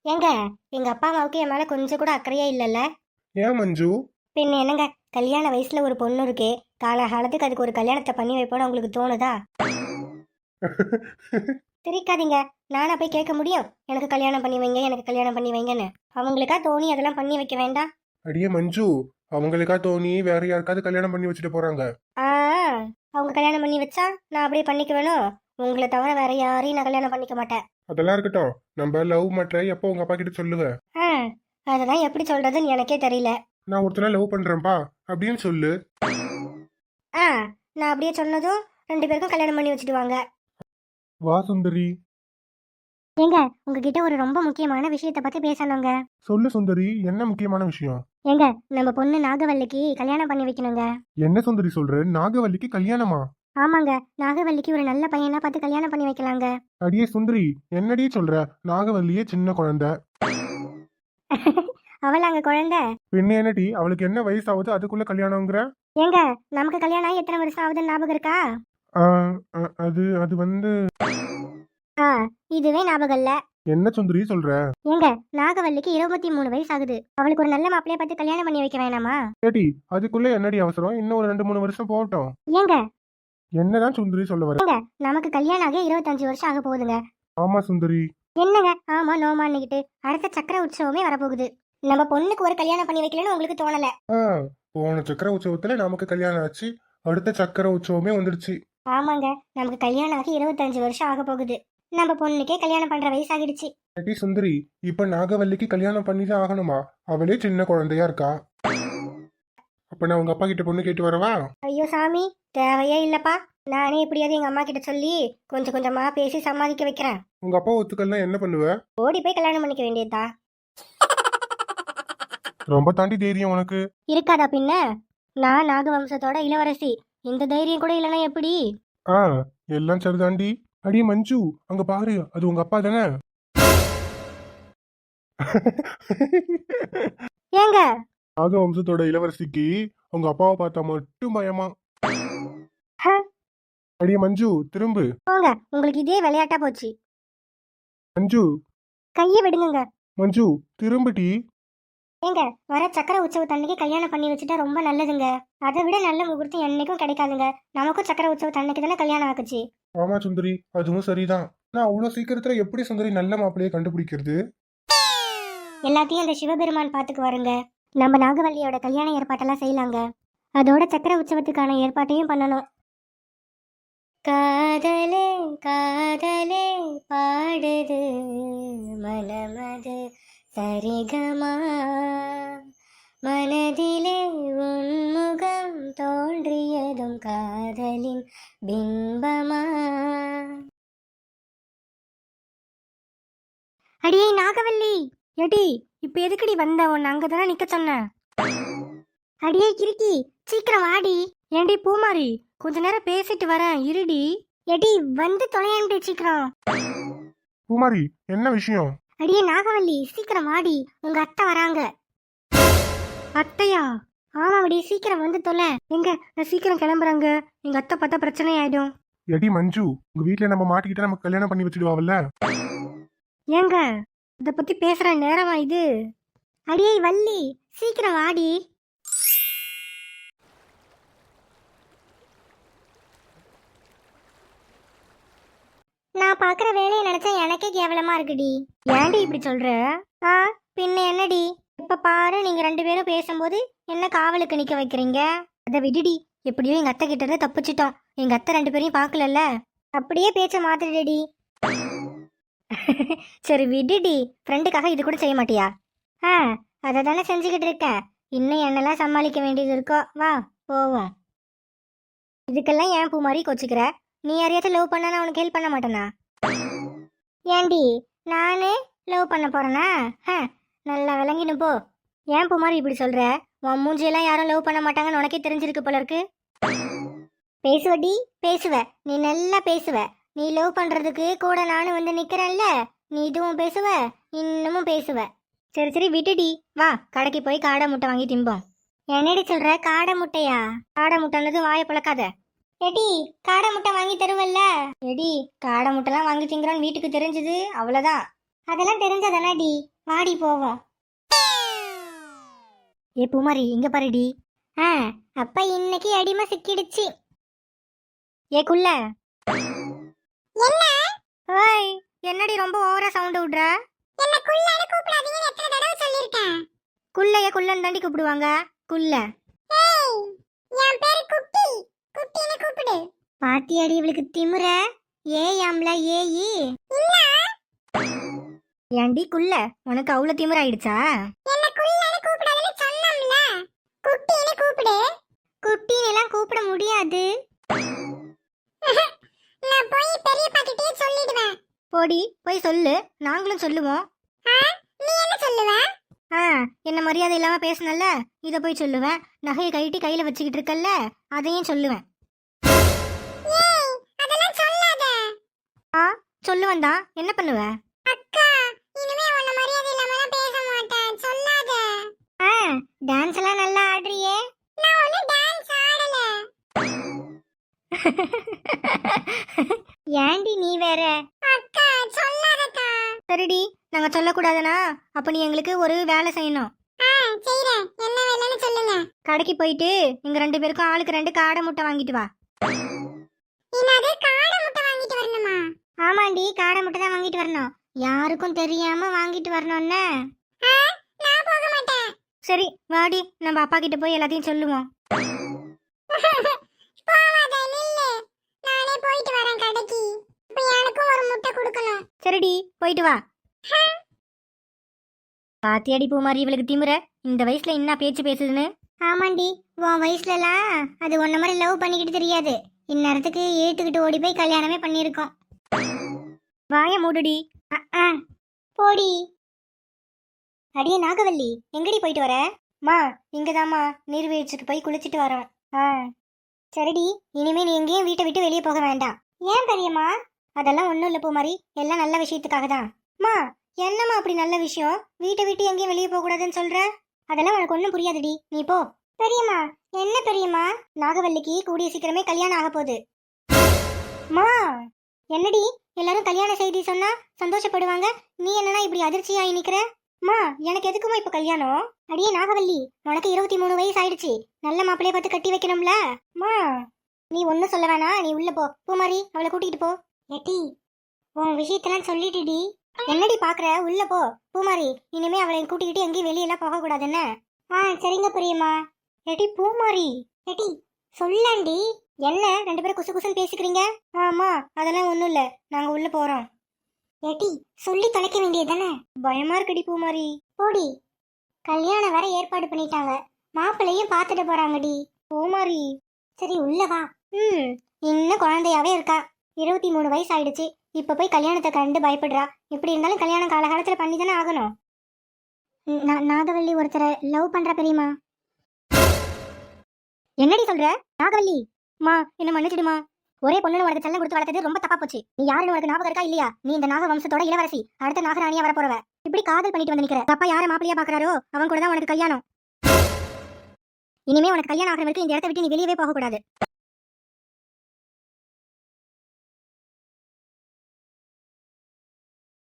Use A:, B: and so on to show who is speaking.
A: ஏங்க, எங்க அப்பா அம்மாவுக்கு என் மேல கொஞ்சம் கூட அக்கறையே இல்லைல்ல?
B: ஏன் மஞ்சு?
A: பின்ன என்னங்க, கல்யாண வயசுல ஒரு பொண்ணு இருக்கே, காலகாலத்துக்கு அதுக்கு ஒரு கல்யாணத்தை பண்ணி வைப்போன்னு உங்களுக்கு தோணுதா? சிரிக்காதீங்க. நானா போய் கேட்க முடியும் எனக்கு கல்யாணம் பண்ணி வைங்க, எனக்கு கல்யாணம் பண்ணி வைங்கன்னு? அவங்களுக்கா தோணி அதெல்லாம் பண்ணி வைக்க வேண்டாம்?
B: அடியே மஞ்சு, அவங்களுக்கா தோணி வேற யாருக்காவது கல்யாணம் பண்ணி வச்சுட்டு போறாங்க.
A: ஆ, அவங்க கல்யாணம் பண்ணி வச்சா நான் அப்படியே பண்ணிக்க வேணும். உங்களை தவிர வேற யாரையும் நான் கல்யாணம் பண்ணிக்க மாட்டேன்.
B: அதெல்லாம் இருக்கட்டும். நம்ம லவ் மேட்ரை எப்போ உங்க அப்பா கிட்ட சொல்லுவ?
A: ஆ, அதெல்லாம் எப்படி சொல்றதுன்னு எனக்கே தெரியல.
B: நான் ஒருத்தனை லவ் பண்றேன்ப்பா அப்படின்னு சொல்லு.
A: ஆ, நான் அப்படியே சொன்னதும் 2 பேருக்கும் கல்யாணம் பண்ணி வச்சுட்டு வாங்க.
B: வா சுந்தரி.
A: ஏங்க, உங்ககிட்ட ஒரு ரொம்ப முக்கியமான விஷயத்தை பத்தி பேசணுங்க.
B: சொல்லு சுந்தரி, என்ன முக்கியமான விஷயம்?
A: ஏங்க, நம்ம பொண்ணு நாகவல்லிக்கு கல்யாணம் பண்ணி வைக்கணுங்க.
B: என்ன சுந்தரி சொல்ற? நாகவல்லிக்கு கல்யாணமா?
A: ஆமாங்க, நாகவல்லிக்கு ஒரு நல்ல பையனா பார்த்து கல்யாணம் பண்ணி வைக்கலாங்க.
B: அடியே சுந்தரி, என்னடி சொல்ற? நாகவல்லியே சின்ன குழந்தை.
A: அவளாங்க குழந்தை?
B: பின்ன என்னடி, அவளுக்கு என்ன வயசு ஆகுது அதுக்குள்ள கல்யாணம்ங்கிற?
A: ஏங்க, நமக்கு கல்யாணம் ஆகி எத்தனை வருஷம் ஆகுதுன்னு ஞாபகம் இருக்கா?
B: ஆ, அது அது வந்து
A: ஆ, இதுவே ஞாபகம் இல்ல.
B: என்ன சுந்தரி சொல்ற?
A: ஏங்க, நாகவல்லிக்கு 23 வயசு ஆகுது. அவளுக்கு ஒரு நல்ல மாப்பிளைய பார்த்து கல்யாணம் பண்ணி வைக்க வேணாமா?
B: ஏடி, அதுக்குள்ள என்னடி அவசரம்? இன்னும் ஒரு 2-3 வருஷம் போகட்டும்.
A: ஏங்க,
B: என்னதான் சுந்தரி சொல்ல வர?
A: நமக்கு கல்யாணம் ஆகி 25 வருஷம் ஆக போகுதுங்க.
B: ஆமா சுந்தரி.
A: என்னங்க ஆமா நோமான்னுகிட்டு? அடுத்த சக்கர உற்சவமே வரப்போகுது. நம்ம பொண்ணுக்கு ஒரு கல்யாணம் பண்ணி வைக்கலன்னு உங்களுக்கு தோணல?
B: ஆ, போன சக்கர உற்சவத்துல நமக்கு கல்யாணம் ஆச்சு. அடுத்த சக்கர உற்சவமே வந்துடுச்சு.
A: ஆமாங்க, நமக்கு கல்யாணம் ஆகி 25 வருஷம் ஆக போகுது. நம்ம பொண்ணுக்கே கல்யாணம் பண்ற வயசு ஆகிடுச்சு.
B: ஏடி சுந்தரி, இப்ப நாகவல்லிக்கு கல்யாணம் பண்ணிதான் ஆகணுமா? அவளே சின்ன குழந்தையா இருக்கா. அப்ப நான் உங்க அப்பா கிட்ட பொண்ணு கேட்டு வரவா?
A: ஐயோ சாமி, தேவையே இல்லப்பா. நானே எப்படியாவது எங்க அம்மா கிட்ட சொல்லி கொஞ்சம் கொஞ்சமா பேசி சமாளிக்க வைக்கிறேன்.
B: உங்க அப்பா ஒத்துக்கல்னா என்ன பண்ணுவ?
A: ஓடி போய் கல்யாணம் பண்ணிக்க வேண்டியதா?
B: ரொம்ப தாண்டி தைரியம் உனக்கு.
A: இருக்காதா பின்ன? நான் நாகவம்சத்தோட இளவரசி. இந்த தைரியம் கூட இல்லைன்னா எப்படி?
B: ஆ, எல்லாம் சரிதாண்டி. அடியே மஞ்சு, அங்க பாரு, அது உங்க அப்பா தானே?
A: ஏங்க,
B: நாகவம்சத்தோட இளவரசிக்கு உங்க அப்பாவை பார்த்தா மட்டும் பயமா.
A: ஹ,
B: அடியே மஞ்சு, திரும்பு.
A: போங்க, உங்களுக்கு இதே விளையாட்டா போச்சு.
B: மஞ்சு.
A: கையை விடுங்க.
B: மஞ்சு, திரும்புடி.
A: ஏங்க, வர சக்கர உற்சவத்தன்னைக்கு கல்யாணம் பண்ணி வச்சுட்டா ரொம்ப நல்லதுங்க. அதை விட நல்ல முகூர்த்தம் என்னைக்கும் கிடைக்காதுங்க. நமக்கும் சக்கர உற்சவத்தன்னைக்கு தானே கல்யாணம் ஆக்குச்சு.
B: ஆமா சுந்தரி, அதுவும் சரிதான். நான் அவ்வளவு சீக்கிரத்துல எப்படி சுந்தரி நல்ல மாப்பிள்ளையை கண்டுபிடிக்கிறது?
A: எல்லாத்தையும் அந்த சிவபெருமான் பாத்துக்கு வருங்க. நம்ம நாகவல்லியோட கல்யாண ஏற்பாட்டெல்லாம் செய்யலாங்க. அதோட சக்கர உற்சவத்துக்கான ஏற்பாட்டையும் பண்ணணும். காதலே காதலே பாடுது மனமது சரிகமா, மனதிலே உன்முகம் தோன்றியதும் காதலின் பிம்பமா. அடியே நாகவல்லி, எடி இப்ப எதுக்குடி வந்த? உன்னை அங்கதானே நிக்க சொன்ன. அடியே கிறுக்கி, சீக்கிரம் வாடி. ஏண்டி பூமாரி, கொஞ்ச நேரம் பேசிட்டு வரேன் இருடி. எடி வந்து தொலையாண்டி சீக்கிரம்.
B: பூமாரி, என்ன விஷயம்?
A: அடியே நாகவல்லி, சீக்கிரம் வாடி, உங்க அத்தை வராங்க. அத்தையா? ஆமாடி, சீக்கிரம் வந்து தொலை. எங்க, நான் சீக்கிரம் கிளம்புறாங்க. எங்க அத்தை பார்த்தா பிரச்சனை ஆயிடும்.
B: எடி மஞ்சு, உங்க வீட்டுல நம்ம மாட்டிக்கிட்ட நமக்கு கல்யாணம் பண்ணி வச்சிடுவாங்கல்ல?
A: ஏங்க, இத பத்தி பேசுற நேரமா இது? அடியே வள்ளி, சீக்கிரம் வாடி. நான் பாக்குற வேலையை நினைச்சா எனக்கே கேவலமா இருக்குடி. ஏன்டி இப்படி சொல்ற? ஆ, பின்ன என்னடி? இப்ப பாரு, நீங்க 2 பேரும் பேசும்போது என்ன காவலுக்கு நிக்க வைக்கிறீங்க? அதை விடுடி. எப்படியோ எங்க அத்தை கிட்ட இருந்து தப்பிச்சிட்டோம். எங்க அத்தை 2 பேரையும் பாக்கலல்ல. அப்படியே பேச்ச மாத்திடுடி. சரி விடுடி, ஃப்ரெண்டுக்காக இது கூட செய்ய மாட்டியா? ஆ, அதை தானே செஞ்சுக்கிட்டு இருக்கேன். இன்னும் என்னெல்லாம் சமாளிக்க வேண்டியது இருக்கோ. வா போவோம். இதுக்கெல்லாம் ஏன் பூ மாதிரி கொச்சிக்கிற? நீ யாரையாச்சும் லவ் பண்ணா நான் உனக்கு ஹெல்ப் பண்ண மாட்டேனா? ஏண்டி, நானே லவ் பண்ண போறேனா? நல்லா விளங்கினு போ. ஏன் பூ மாதிரி இப்படி சொல்ற? உன் மூஞ்சியெல்லாம் யாரும் லவ் பண்ண மாட்டாங்கன்னு உனக்கே தெரிஞ்சிருக்கு போல இருக்கு. பேசுவடி, பேசுவ. நீ நல்லா பேசுவ. நீ லவ் பண்றதுக்கு கூட நானும் வந்து நிக்கிறேன்ல. நீ இதுவும் பேசுவ, இன்னமும் பேசுவ. சரி சரி விட்டுடி. வா, கடைக்கு போய் காடை முட்டை வாங்கி திம்போம். என்னடி சொல்ற? காடை முட்டையா? காடை முட்டைன்னது வாயை பழக்காத. எடி, காடை முட்டை வாங்கி தருவல்ல? எடி, காடை முட்டைலாம் வாங்கி திங்கிறோன்னு வீட்டுக்கு தெரிஞ்சது அவ்வளோதான். அதெல்லாம் தெரிஞ்சதானடி. வாடி போவோம். ஏ பூமாரி இங்க பாருடி. அப்ப இன்னைக்கு அடிமை சிக்கிடுச்சு. ஏ குள்ள. என்ன? ஓய், என்னடி ரொம்ப ஓவரா சவுண்ட் விடுற? என்ன குள்ளன்னு கூப்பிடாதீங்கன்னு எத்தனை தடவை சொல்லிருக்கேன். குள்ளைய குள்ளன்னு தாண்டி கூப்பிடுவாங்க. குள்ள. ஏய், என் பேரு குட்டி. குட்டின்னு கூப்பிடு. பாத்தியாடி இவளுக்கு திமிர? ஏயாம்ல ஏயி. இல்ல. ஏண்டி குள்ள, உனக்கு அவ்வளவு திமிர ஆயிடுச்சா? என்ன குள்ளன்னு கூப்பிடாதன்னு சொன்னோம்ல. குட்டின்னு கூப்பிடு. குட்டின்னு எல்லாம் கூப்பிட முடியாது. நான் போய் பெரியப்பா கிட்டே சொல்லிடுவேன். போடி போய் சொல்லு, நாங்களும் சொல்லுவோம். நீ என்ன சொல்லுவ? என்ன மரியாதை இல்லாம பேசனல்ல, இத போய் சொல்லுவேன். நகையை கைட்டி கையில வச்சுக்கிட்டு இருக்கல்ல, அதையும் சொல்லுவேன். ஏய், அதெல்லாம் சொல்லாத. சொல்லுவேன் தான். என்ன பண்ணுவ? அக்கா, இனிமே உன்ன மரியாதை இல்லாம பேச மாட்டேன். சொல்லாத. டான்ஸ் எல்லாம் நல்லா ஆடுறியே. நான் ஒண்ணு டான்ஸ் ஆடல. ஏண்டி நீ வேற? அக்கா சொல்லாதக்கா. சரிடி, நாங்க சொல்லக்கூடாதுனா அப்ப நீ எங்களுக்கு ஒரு வேலை செய்யணும். செய்றேன். என்ன வேலைன்னு சொல்லுங்க. கடைக்கு போயிட்டு எங்க 2 பேருக்கும் ஆளுக்கு 2 காடை முட்டை வாங்கிட்டு வா. என்னது, காடை முட்டை வாங்கிட்டு வரணுமா? ஆமாண்டி, காடை முட்டை தான் வாங்கிட்டு வரணும். யாருக்கும் தெரியாம வாங்கிட்டு வரணும்னு. நான் போக மாட்டேன். சரி வாடி, நம்ம அப்பா கிட்ட போய் எல்லாத்தையும் சொல்லுவோம். சரிடி, போயிட்டு வா. பாத்தியாடி பூமாரி இவளுக்கு திமிர? இந்த வயசுல என்ன பேச்சு பேசுதுன்னு. ஆமாண்டி, உன் வயசுலலாம் அது ஒன்ன மாதிரி லவ் பண்ணிக்கிட்டு தெரியாது. இந்நேரத்துக்கு ஏத்துக்கிட்டு ஓடி போய் கல்யாணமே பண்ணிருக்கோம். வாய மூடுடி. போடி. அடியே நாகவல்லி, எங்கடி போயிட்டு வர? மா, இங்கதாம்மா நீர்வீழ்ச்சிக்கு போய் குளிச்சிட்டு வரோம். சரிடி, இனிமே நீ எங்கேயும் வீட்டை விட்டு வெளியே போக வேண்டாம். ஏன் பெரியம்மா? அதெல்லாம் ஒன்றும் இல்லை பூமாரி, எல்லாம் நல்ல விஷயத்துக்காக தான். மா, என்னம்மா அப்படி நல்ல விஷயம்? வீட்டை விட்டு எங்கேயும் வெளியே போகக்கூடாதுன்னு சொல்ற? அதெல்லாம் உனக்கு ஒன்றும் புரியாதுடி, நீ போ. பெரியம்மா, என்ன பெரியம்மா? நாகவல்லிக்கு கூடிய சீக்கிரமே கல்யாணம் ஆக போகுது. மா, என்னடி எல்லாரும் கல்யாண செய்தி சொன்னா சந்தோஷப்படுவாங்க, நீ என்னன்னா இப்படி அதிர்ச்சியாகி நிக்கிற? மா, எனக்கு எதுக்குமா இப்ப கல்யாணம்? அடியே நாகவல்லி, உனக்கு 23 வயசு ஆயிடுச்சு. நல்ல மாப்பிள்ளைய பார்த்து கட்டி வைக்கணும்ல. மா, நீ ஒன்னும் சொல்ல வேணாம், நீ உள்ள போ. பூமாரி, அவளை கூட்டிகிட்டு போ. ஏட்டி, உன் விஷயத்தெல்லாம் சொல்லிட்டுடி. என்னடி பாக்குற? உள்ள போ. பூமாரி, இனிமே அவளை கூட்டிக்கிட்டு எங்கேயும் வெளியெல்லாம் போக கூடாதுன்னு. சரிங்க பெரியம்மா. ஏட்டி பூமாரி, ஏட்டி சொல்லாண்டி. என்ன 2 பேரும் குசு குசுன்னு பேசிக்கிறீங்க? ஆமா, அதெல்லாம் ஒண்ணும் இல்ல, நாங்க உள்ள போறோம். ஏட்டி சொல்லி தொலைக்க வேண்டியது தானே? பயமா இருக்குடி பூமாரி. போடி. கல்யாணம் வேற ஏற்பாடு பண்ணிட்டாங்க, மாப்பிள்ளையும் பாத்துட்டு போறாங்கடி. பூமாரி, சரி உள்ள வா. இன்னும் குழந்தையாவே இருக்கா. 23 வயசு ஆயிடுச்சு. இப்ப போய் கல்யாணத்தை கண்டு பயப்படுறா. எப்படி இருந்தாலும் கல்யாணம் காலகாலத்துல பண்ணி தானே ஆகணும். நாகவல்லி ஒருத்தரை லவ் பண்ற பெரியம்மா. என்னடி சொல்ற? நாகவல்லி, மா என்ன மன்னிச்சிடுமா. ஒரே பொண்ணு உனக்கு செல்லம் கொடுத்து வளர்த்தது ரொம்ப தப்பா போச்சு. நீ யாருன்னு உனக்கு ஞாபகம் இருக்கா இல்லையா? நீ இந்த நாக வம்சத்தோட இளவரசி, அடுத்த நாகராணியா வர போறவ. இப்படி காதல் பண்ணிட்டு வந்து நிக்கிற. அப்பா யார மாப்பிள்ளையா பாக்குறாரோ அவன் கூட தான் உனக்கு கல்யாணம். இனிமே உனக்கு கல்யாணம் ஆகிற வரைக்கும் இந்த இடத்த விட்டு நீ வெளியவே போக கூடாது.